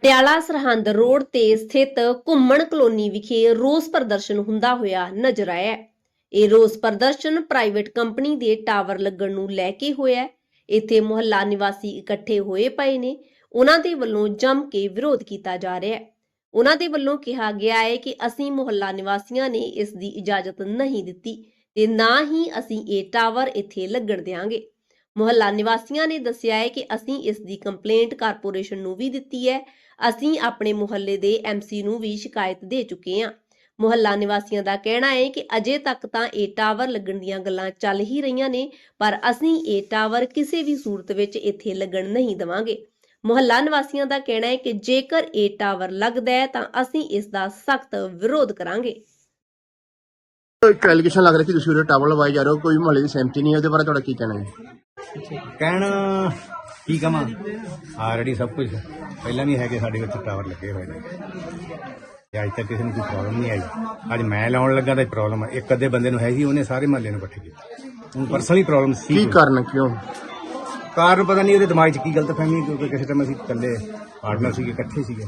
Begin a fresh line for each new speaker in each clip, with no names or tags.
Patiala Sirhind road ਤੇ ਸਥਿਤ ਘੁੰਮਣ ਕਲੋਨੀ ਵਿਖੇ ਰੋਸ ਪ੍ਰਦਰਸ਼ਨ ਹੁੰਦਾ ਹੋਇਆ ਨਜ਼ਰ ਆਇਆ ਹੈ। ਇਹ ਰੋਸ ਪ੍ਰਦਰਸ਼ਨ ਪ੍ਰਾਈਵੇਟ ਕੰਪਨੀ ਦੇ ਟਾਵਰ ਲੱਗਣ ਨੂੰ ਲੈ ਕੇ ਹੋਇਆ ਹੈ। ਇੱਥੇ ਮੁਹੱਲਾ ਨਿਵਾਸੀ ਇਕੱਠੇ ਹੋਏ ਪਏ ਨੇ। ਉਹਨਾਂ ਦੇ ਵੱਲੋਂ ਜੰਮ ਕੇ ਵਿਰੋਧ ਕੀਤਾ ਜਾ ਰਿਹਾ ਹੈ। ਉਹਨਾਂ ਦੇ ਵੱਲੋਂ ਕਿਹਾ ਗਿਆ ਹੈ ਕਿ ਅਸੀਂ ਮੁਹੱਲਾ ਨਿਵਾਸੀਆਂ ਨੇ ਇਸ ਦੀ ਇਜਾਜ਼ਤ ਨਹੀਂ ਦਿੱਤੀ ਤੇ ਨਾ ਹੀ ਅਸੀਂ ਇਹ ਟਾਵਰ ਇੱਥੇ ਲੱਗਣ ਦੇਵਾਂਗੇ। ਮੁਹੱਲਾ ਨਿਵਾਸੀਆਂ ਨੇ ਦੱਸਿਆ ਹੈ ਕਿ ਅਸੀਂ ਇਸ ਦੀ ਕੰਪਲੇਂਟ ਕਾਰਪੋਰੇਸ਼ਨ ਨੂੰ ਵੀ ਦਿੱਤੀ ਹੈ। ਅਸੀਂ ਆਪਣੇ ਮੁਹੱਲੇ ਦੇ ਐਮਸੀ ਨੂੰ ਵੀ ਸ਼ਿਕਾਇਤ ਦੇ ਚੁੱਕੇ ਹਾਂ। ਮੁਹੱਲਾ ਨਿਵਾਸੀਆਂ ਦਾ ਕਹਿਣਾ ਹੈ ਕਿ ਅਜੇ ਤੱਕ ਤਾਂ ਇਹ ਟਾਵਰ ਲੱਗਣ ਦੀਆਂ ਗੱਲਾਂ ਚੱਲ ਹੀ ਰਹੀਆਂ ਨੇ, ਪਰ ਅਸੀਂ ਇਹ ਟਾਵਰ ਕਿਸੇ ਵੀ ਸੂਰਤ ਵਿੱਚ ਇੱਥੇ ਲੱਗਣ ਨਹੀਂ ਦੇਵਾਂਗੇ। ਮੁਹੱਲਾ ਨਿਵਾਸੀਆਂ ਦਾ ਕਹਿਣਾ ਹੈ ਕਿ ਜੇਕਰ ਇਹ ਟਾਵਰ ਲੱਗਦਾ ਹੈ ਤਾਂ ਅਸੀਂ ਇਸ ਦਾ ਸਖਤ ਵਿਰੋਧ ਕਰਾਂਗੇ।
ਇੱਕ ਐਲੀਗੇਸ਼ਨ ਲੱਗ ਰਿਹਾ ਕਿ ਤੁਸੀਂ ਉਹਦੇ ਟਾਵਰ ਲਵਾਏ ਜਾ ਰਹੇ ਹੋ, ਕੋਈ ਮੁਹੱਲੇ ਦੀ ਸਹਿਮਤੀ ਨਹੀਂ ਹੈ, ਉਹਦੇ ਬਾਰੇ ਤੁਹਾਡਾ ਕੀ ਕਹਿਣਾ ਹੈ?
ਕਹਿਣਾ ਕੀ ਕਵਾਂ, ਆਲਰੇਡੀ ਸਭ ਕੁਝ ਪਹਿਲਾਂ ਵੀ ਹੈਗੇ ਸਾਡੇ ਵਿੱਚ ਟਾਵਰ ਲੱਗੇ ਹੋਏ ਨੇ ਤੇ ਅੱਜ ਤੱਕ ਕਿਸੇ ਨੂੰ ਕੋਈ ਪ੍ਰੋਬਲਮ ਨਹੀਂ ਆਈ। ਅੱਜ ਮੈਂ ਲਾਉਣ ਲੱਗਾ ਤਾਂ ਪ੍ਰੋਬਲਮ ਇੱਕ ਅੱਧੇ ਬੰਦੇ ਨੂੰ ਹੈਗੀ, ਉਹਨੇ ਸਾਰੇ ਮਹੱਲੇ ਨੂੰ ਇਕੱਠੇ ਕੀਤਾ। ਹੁਣ ਪਰਸਨਲੀ ਪ੍ਰੋਬਲਮ ਸੀ।
ਕੀ ਕਾਰਨ, ਕਿਉਂ
ਕਾਰਨ ਪਤਾ ਨਹੀਂ, ਉਹਦੇ ਦਿਮਾਗ 'ਚ ਕੀ ਗਲਤਫਹਿਮੀ, ਕਿਉਂਕਿ ਕਿਸੇ ਟਾਈਮ ਅਸੀਂ ਇਕੱਲੇ ਪਾਰਟਨਰ ਸੀਗੇ, ਇਕੱਠੇ ਸੀਗੇ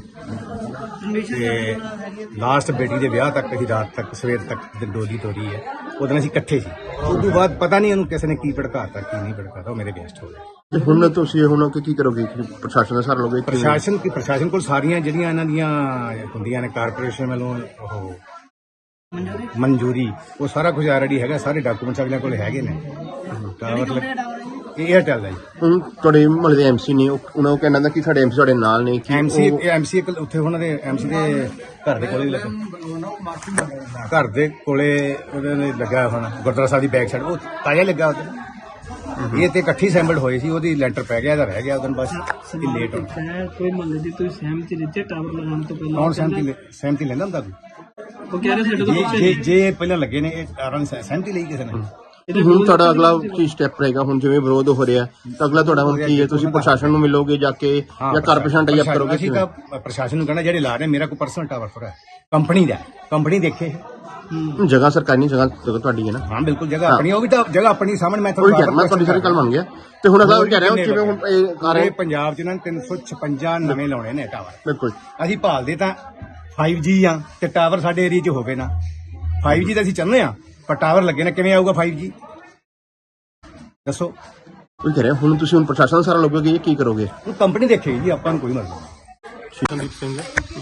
ਤੇ ਲਾਸਟ ਬੇਟੀ ਦੇ ਵਿਆਹ ਤੱਕ ਅਸੀਂ ਰਾਤ ਤੱਕ ਸਵੇਰ ਤੱਕ ਡੋਲੀ ਤੋਰੀ ਹੈ, ਉਦੋਂ ਅਸੀਂ ਇਕੱਠੇ ਸੀ। ਉਸ ਤੋਂ ਬਾਅਦ ਪਤਾ ਨਹੀਂ ਉਹਨੂੰ ਕਿਸੇ ਨੇ ਕੀ ਭੜਕਾਤਾ ਕੀ ਨਹੀਂ ਭੜਕਾਤਾ, ਉਹ ਮੇਰੇ ਵੇਸਟ ਹੋ ਗਏ।
ਤੇ ਹੁਣ ਤੁਸੀਂ ਕੀ ਕਰੋਗੇ? ਪ੍ਰਸ਼ਾਸਨ ਦਾ ਸਹਾਰਾ ਲਓਗੇ?
ਪ੍ਰਸ਼ਾਸਨ ਕੋਲ ਸਾਰੀਆਂ ਜਿਹੜੀਆਂ ਇਹਨਾਂ ਦੀਆਂ ਹੁੰਦੀਆਂ ਨੇ ਕਾਰਪੋਰੇਸ਼ਨ ਵੱਲੋਂ ਉਹ ਮਨਜ਼ੂਰੀ, ਉਹ ਸਾਰਾ ਕੁਝ ਆਲਰੇਡੀ ਹੈਗਾ, ਸਾਰੇ ਡਾਕੂਮੈਂਟਸ ਅਗਲੇ ਕੋਲ ਹੈਗੇ ਨੇ। ਤਾਂ ਮਤਲਬ ਇਹ ਏਅਰਟੈਲ ਦਾ ਜੀ।
ਹੁਣ ਤੁਹਾਡੇ ਮੁਹੱਲੇ ਦੇ ਐਮਸੀ ਨੇ, ਉਹਨਾਂ ਨੂੰ ਕਹਿਣਾ ਕਿ ਸਾਡੇ ਐਮਸੀ ਤੁਹਾਡੇ ਨਾਲ ਨੇ।
ਐਮਸੀ ਉੱਥੇ ਉਹਨਾਂ ਦੇ ਐਮਸੀ ਦੇ ਘਰ ਦੇ ਕੋਲੇ ਲੱਗਾ, ਘਰ ਦੇ ਕੋਲੇ ਉਹਦੇ ਨੇ ਲੱਗਾ ਹੁਣ ਗੁਰਦੁਆਰਾ ਸਾਹਿਬ ਦੀ ਬੈਕ ਸਾਈਡ, ਉਹ ਤਾਜ਼ਾ ਲੱਗਾ ਉੱਥੇ। ਇਹ ਤੇ ਇਕੱਠੀ ਸੈਂਬਲਡ ਹੋਏ ਸੀ, ਉਹਦੀ ਲੈਂਟਰ ਪੈ ਗਿਆ, ਇਹਦਾ ਰਹਿ ਗਿਆ ਉਦੋਂ ਬਸ ਲੇਟ ਹੋ ਗਿਆ।
ਕੋਈ ਮੁਹੱਲੇ ਦੀ ਤੁਸੀਂ ਸਹਿਮਤੀ ਦਿੱਤੀ ਟਾਵਰ ਲਗਾਉਣ ਤੋਂ ਪਹਿਲਾਂ?
ਕੌਣ ਸਹਿਮਤੀ ਲੈਂਦਾ ਹੁੰਦਾ ਕੋਈ?
ਉਹ ਕਹਿ ਰਹੇ ਸਾਡੇ ਤੋਂ
ਜੇ ਪਹਿਲਾਂ ਲੱਗੇ ਨੇ ਇਹ ਟਾਵਰਾਂ ਸਹਿਮਤੀ ਲਈ ਕਿਸੇ ਨੇ।
ਹੁਣ ਤੁਹਾਡਾ ਅਗਲਾ ਕੀ ਸਟੈਪ ਰਹੇਗਾ? ਹੁਣ ਜਿਵੇਂ ਵਿਰੋਧ ਹੋ ਰਿਹਾ ਤਾਂ ਅਗਲਾ ਤੁਹਾਡਾ ਹੁਣ ਕੀ ਹੈ? ਤੁਸੀਂ ਪ੍ਰਸ਼ਾਸਨ ਨੂੰ ਮਿਲੋਗੇ ਜਾ ਕੇ ਜਾਂ ਕਾਰਪੋਰੇਸ਼ਨ ਟਾਈ ਅਪ ਕਰੋਗੇ?
ਅਸੀਂ ਤਾਂ ਪ੍ਰਸ਼ਾਸਨ ਨੂੰ ਕਹਿਣਾ ਜਿਹੜੇ ਲਾ ਰਹੇ, ਮੇਰਾ ਕੋਈ ਪਰਸਨਲ ਟਾਵਰ ਥੋੜਾ ਕੰਪਨੀ ਦਾ, ਕੰਪਨੀ ਦੇਖੇ।
ਜਗ੍ਹਾ ਸਰਕਾਰੀ ਜਗ੍ਹਾ ਤੁਹਾਡੀ ਹੈ ਨਾ?
ਹਾਂ ਬਿਲਕੁਲ, ਜਗ੍ਹਾ ਆਪਣੀ, ਉਹ ਵੀ ਤਾਂ ਜਗ੍ਹਾ ਆਪਣੀ ਸਾਹਮਣੇ। ਮੈਂ
ਤੁਹਾਡੀ ਸਾਰੀ ਗੱਲ ਮੰਨ ਗਿਆ। ਤੇ ਹੁਣ ਅਗਲਾ ਕਹਿ ਰਿਹਾ ਜਿਵੇਂ ਹੁਣ
ਸਾਰੇ ਪੰਜਾਬ 'ਚ ਇਹਨਾਂ ਨੇ 356 ਨਵੇਂ ਲਾਉਣੇ ਨੇ ਟਾਵਰ।
ਬਿਲਕੁਲ
ਅਸੀਂ ਭਾਲਦੇ ਤਾਂ 5G ਆ ਤੇ ਟਾਵਰ ਸਾਡੇ ਏਰੀਆ 'ਚ ਹੋਵੇ ਨਾ। 5G ਤਾਂ ਅਸੀਂ ਚਾਹੁੰਦੇ ਆ, ਪਰ ਟਾਵਰ ਲੱਗੇ ਨਾ, ਕਿਵੇਂ ਆਊਗਾ 5G ਦੱਸੋ?
ਉਹ ਕਹਿ ਰਿਹਾ ਹੁਣ ਤੁਸੀਂ ਪ੍ਰਸ਼ਾਸਨ ਦਾ ਸਹਾਰਾ ਲਓਗੇ ਜਾਂ ਕੀ ਕਰੋਗੇ?
ਉਹ ਕੰਪਨੀ ਦੇਖੇਗੀ ਜੀ, ਆਪਾਂ ਨੂੰ ਕੋਈ ਮਰਜ਼ੀ ਨਹੀਂ।
ਸੰਦੀਪ ਸਿੰਘ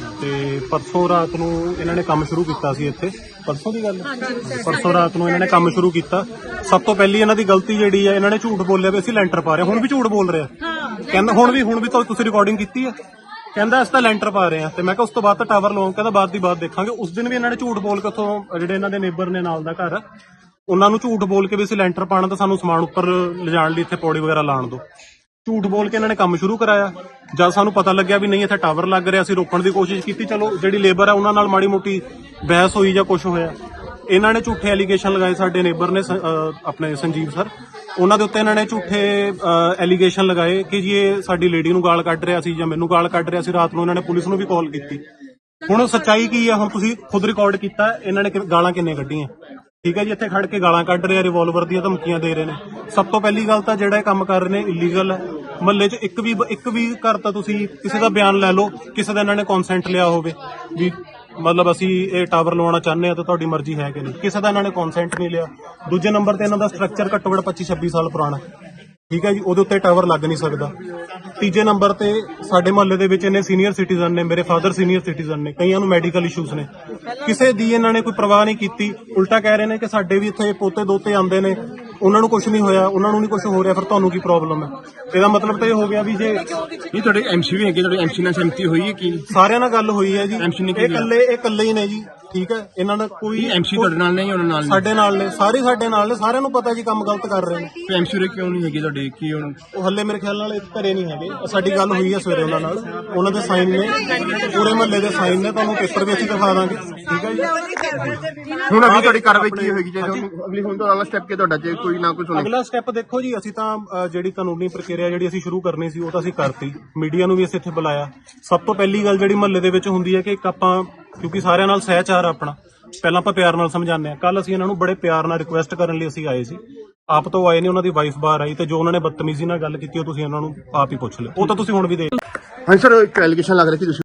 ਤੇ ਪਰਸੋਂ ਰਾਤ ਨੂੰ ਇਹਨਾਂ ਨੇ ਕੰਮ ਸ਼ੁਰੂ ਕੀਤਾ ਸੀ ਇੱਥੇ। ਪਰਸੋਂ ਦੀ ਗੱਲ, ਪਰਸੋਂ ਰਾਤ ਨੂੰ ਇਹਨਾਂ ਨੇ ਕੰਮ ਸ਼ੁਰੂ ਕੀਤਾ। ਸਭ ਤੋਂ ਪਹਿਲੀ ਇਹਨਾਂ ਦੀ ਗਲਤੀ ਜਿਹੜੀ ਹੈ, ਇਹਨਾਂ ਨੇ ਝੂਠ ਬੋਲਿਆ ਵੀ ਅਸੀਂ ਲੈਂਟਰ ਪਾ ਰਹੇ। ਹੁਣ ਵੀ ਝੂਠ ਬੋਲ ਰਿਹਾ, ਕਹਿੰਦਾ ਹੁਣ ਵੀ ਤੁਸੀਂ ਰਿਕਾਰਡਿੰਗ ਕੀਤੀ ਹੈ, ਕਹਿੰਦਾ ਅਸੀਂ ਤਾਂ ਲੈਂਟਰ ਪਾ ਰਹੇ ਹਾਂ। ਤੇ ਮੈਂ ਕਿਹਾ ਉਸ ਤੋਂ ਬਾਅਦ ਤਾਂ ਟਾਵਰ ਲਾਉਂ, ਕਹਿੰਦਾ ਬਾਅਦ ਦੀ ਬਾਤ ਦੇਖਾਂਗੇ। ਉਸ ਦਿਨ ਵੀ ਇਹਨਾਂ ਨੇ ਝੂਠ ਬੋਲ ਕੇ ਉੱਥੋਂ ਜਿਹੜੇ ਇਹਨਾਂ ਦੇ ਨੇਬਰ ਨੇ ਨਾਲ ਦਾ ਘਰ, ਉਹਨਾਂ ਨੂੰ ਝੂਠ ਬੋਲ ਕੇ ਵੀ ਅਸੀਂ ਲੈਂਟਰ ਪਾਣਾ ਤਾਂ ਸਾਨੂੰ ਸਮਾਨ ਉੱਪਰ ਲਿਜਾਣ ਲਈ ਇੱਥੇ ਪੌੜੀ ਵਗੈਰਾ ਲਾਣ ਦਿਓ। ਝੂਠ ਬੋਲ ਕੇ ਇਹਨਾਂ ਨੇ ਕੰਮ ਸ਼ੁਰੂ ਕਰਾਇਆ। ਜਦ ਸਾਨੂੰ ਪਤਾ ਲੱਗਿਆ ਵੀ ਨਹੀਂ ਇੱਥੇ ਟਾਵਰ ਲੱਗ ਰਿਹਾ, ਅਸੀਂ ਰੋਕਣ ਦੀ ਕੋਸ਼ਿਸ਼ ਕੀਤੀ। ਚਲੋ ਜਿਹੜੀ ਲੇਬਰ ਹੈ ਉਹਨਾਂ ਨਾਲ ਮਾੜੀ ਮੋਟੀ ਬਹਿਸ ਹੋਈ ਜਾਂ ਕੁਝ ਹੋਇਆ। ਇਹਨਾਂ ਨੇ ਝੂਠੇ ਐਲੀਗੇਸ਼ਨ ਲਗਾਏ, ਸਾਡੇ ਨੇਬਰ ਨੇ ਆਪਣੇ ਸੰਜੀਵ ਸਰ, ਉਹਨਾਂ ਦੇ ਉੱਤੇ ਇਹਨਾਂ ਨੇ ਝੂਠੇ ਐਲੀਗੇਸ਼ਨ ਲਗਾਏ ਕਿ ਜੀ ਇਹ ਸਾਡੀ ਲੇਡੀ ਨੂੰ ਗਾਲ ਕੱਢ ਰਿਹਾ ਸੀ ਜਾਂ ਮੈਨੂੰ ਗਾਲ ਕੱਢ ਰਿਹਾ ਸੀ। ਰਾਤ ਨੂੰ ਇਹਨਾਂ ਨੇ ਪੁਲਿਸ ਨੂੰ ਵੀ ਕਾਲ ਕੀਤੀ। ਹੁਣ ਸੱਚਾਈ ਕੀ ਹੈ? ਹੁਣ ਤੁਸੀਂ ਖੁਦ ਰਿਕਾਰਡ ਕੀਤਾ, ਇਹਨਾਂ ਨੇ ਗਾਲਾਂ ਕਿੰਨੇ ਕੱਢੀਆਂ, ਠੀਕ ਹੈ ਜੀ। ਇੱਥੇ ਖੜ ਕੇ ਗਾਲਾਂ ਕੱਢ ਰਹੇ ਆ, ਰਿਵਾਲਵਰ ਦੀਆਂ ਧਮਕੀਆਂ ਦੇ ਰਹੇ ਨੇ। ਸਭ ਤੋਂ ਪਹਿਲੀ ਗੱਲ ਤਾਂ ਜਿਹੜਾ ਇਹ ਕੰਮ ਕਰ ਰਹੇ ਨੇ ਇਲੀਗਲ ਹੈ। ਮਹੱਲੇ 'ਚ ਇੱਕ ਵੀ ਘਰ ਤਾਂ ਤੁਸੀਂ ਕਿਸੇ ਦਾ ਬਿਆਨ ਲੈ ਲਓ, ਕਿਸੇ ਦਾ ਇਹਨਾਂ ਨੇ ਕੌਨਸੈਂਟ ਲਿਆ ਹੋਵੇ ਵੀ ਮਤਲਬ ਅਸੀਂ ਇਹ ਟਾਵਰ ਲਵਾਉਣਾ ਚਾਹੁੰਦੇ ਆ ਤਾਂ ਤੁਹਾਡੀ ਮਰਜ਼ੀ ਹੈ ਕਿ ਨਹੀਂ, ਕਿਸੇ ਦਾ ਇਹਨਾਂ ਨੇ ਕੌਨਸੈਂਟ ਨਹੀਂ ਲਿਆ। ਦੂਜੇ ਨੰਬਰ ਤੇ ਇਹਨਾਂ ਦਾ ਸਟਰਕਚਰ ਘੱਟੋ ਘੱਟ 25-26 ਸਾਲ ਪੁਰਾਣਾ, ਠੀਕ ਹੈ ਜੀ, ਉਹਦੇ ਉੱਤੇ ਟਾਵਰ ਲੱਗ ਨਹੀਂ ਸਕਦਾ। ਤੀਜੇ ਨੰਬਰ ਤੇ ਸਾਡੇ ਮੁਹੱਲੇ ਦੇ ਵਿੱਚ ਇਹਨੇ ਸੀਨੀਅਰ ਸਿਟੀਜ਼ਨ ਨੇ, ਮੇਰੇ ਫਾਦਰ ਸੀਨੀਅਰ ਸਿਟੀਜ਼ਨ ਨੇ, ਕਈਆਂ ਨੂੰ ਮੈਡੀਕਲ ਇਸ਼ੂਜ਼ ਨੇ, ਕਿਸੇ ਦੀ ਇਹਨਾਂ ਨੇ ਕੋਈ ਪਰਵਾਹ ਨਹੀਂ ਕੀਤੀ। ਉਲਟਾ ਕਹਿ ਰਹੇ ਨੇ ਕਿ ਸਾਡੇ ਵੀ ਇੱਥੇ ਪੋਤੇ ਦੋਤੇ ਆਉਂਦੇ ਨੇ, ਉਹਨਾਂ ਨੂੰ ਕੁਝ ਨਹੀਂ ਹੋਇਆ, ਉਹਨਾਂ ਨੂੰ ਨਹੀਂ ਕੁਝ ਹੋ ਰਿਹਾ, ਫਿਰ ਤੁਹਾਨੂੰ ਕੀ ਪ੍ਰੋਬਲਮ ਹੈ? ਇਹਦਾ ਮਤਲਬ ਤਾਂ ਇਹ ਹੋ ਗਿਆ ਵੀ ਜੇ
ਇਹ ਤੁਹਾਡੇ ਐਮਸੀ ਵੀ ਹੈਗੇ, ਤੁਹਾਡੇ ਐਮਸੀ ਨਾਲ ਸਹਿਮਤੀ ਹੋਈ ਹੈ? ਕੀ
ਸਾਰਿਆਂ ਨਾਲ ਗੱਲ ਹੋਈ ਹੈ ਜੀ?
ਇਹ
ਇਕੱਲੇ ਹੀ ਨੇ ਜੀ, ਠੀਕ ਹੈ। ਇਹਨਾਂ ਦਾ ਕੋਈ
ਐਮਸੀ ਤੁਹਾਡੇ ਨਾਲ ਨਹੀਂ, ਉਹਨਾਂ ਨਾਲ
ਸਾਡੇ ਨਾਲ ਨੇ, ਸਾਰੇ ਸਾਡੇ ਨਾਲ ਨੇ, ਸਾਰਿਆਂ ਨੂੰ ਪਤਾ ਜੀ ਕੰਮ ਗਲਤ ਕਰ ਰਹੇ ਨੇ।
ਤੇ ਐਮਸੀ ਦੇ ਕਿਉਂ ਨਹੀਂ ਹੈਗੇ ਤੁਹਾਡੇ? ਕੀ
ਉਹ ਹੱਲੇ ਮੇਰੇ ਖਿਆਲ ਨਾਲ ਘਰੇ ਨਹੀਂ ਹੈਗੇ। ਸਾਡੀ ਗੱਲ ਹੋਈ ਹੈ ਸਵੇਰੇ ਉਹਨਾਂ ਨਾਲ, ਉਹਨਾਂ ਦੇ ਸਾਈਨ ਨੇ, ਪੂਰੇ ਮਹੱਲੇ ਦੇ ਸਾਈਨ ਨੇ, ਤੁਹਾਨੂੰ ਪੇਪਰ ਵੀ ਅਸੀਂ ਦਿਖਾ ਦਾਂਗੇ, ਠੀਕ ਹੈ ਜੀ।
ਹੁਣ ਅਗਲੀ ਤੁਹਾਡੀ ਕਾਰਵਾਈ ਕੀ ਹੋਏਗੀ? ਜੇ ਅਗਲੀ ਹੁਣ ਤੋਂ ਅਗਲਾ ਸਟੈਪ ਕੀ ਤੁਹਾਡਾ, ਜੇ ਕੋਈ ਨਾ ਕੋਈ ਸੁਣੇ?
ਅਗਲਾ ਸਟੈਪ ਦੇਖੋ ਜੀ, ਅਸੀਂ ਤਾਂ ਜਿਹੜੀ ਕਾਨੂੰਨੀ ਪ੍ਰਕਿਰਿਆ ਜਿਹੜੀ ਅਸੀਂ ਸ਼ੁਰੂ ਕਰਨੀ ਸੀ ਉਹ ਤਾਂ ਅਸੀਂ ਕਰਤੀ। ਮੀਡੀਆ ਨੂੰ ਵੀ ਅਸੀਂ ਇੱਥੇ ਬੁਲਾਇਆ। ਸਭ ਤੋਂ ਪਹਿਲੀ ਗੱਲ ਜਿਹੜੀ ਮਹੱਲੇ ਦੇ ਵਿੱਚ ਹੁੰਦੀ ਹੈ ਕਿ ਇੱਕ ਆਪਾਂ, ਕਿਉਂਕਿ ਸਾਰਿਆਂ ਨਾਲ ਸਹਿਚਾਰ ਆਪਣਾ, ਪਹਿਲਾਂ ਆਪਾਂ ਪਿਆਰ ਨਾਲ ਸਮਝਾਉਂਦੇ ਹਾਂ। ਕੱਲ ਅਸੀਂ ਇਹਨਾਂ ਨੂੰ ਬੜੇ ਪਿਆਰ ਨਾਲ ਰਿਕੁਐਸਟ ਕਰਨ ਲਈ ਅਸੀਂ ਆਏ ਸੀ, ਆਪ ਤੋਂ ਆਏ ਨੇ, ਉਹਨਾਂ ਦੀ ਵਾਈਫ ਬਾਹਰ ਆਈ, ਤੇ ਜੋ ਉਹਨਾਂ ਨੇ ਬਦਤਮੀਜ਼ੀ ਨਾਲ ਗੱਲ ਕੀਤੀ ਉਹ ਤੁਸੀਂ ਉਹਨਾਂ ਨੂੰ ਆਪ ਹੀ ਪੁੱਛ ਲਿਓ, ਉਹ ਤਾਂ ਤੁਸੀਂ ਹੁਣ ਵੀ ਦੇਖ।
ਹਾਂ ਸਰ, ਇੱਕ ਐਲੀਗੇਸ਼ਨ ਲੱਗ ਰਿਹਾ ਕਿ ਤੁਸੀਂ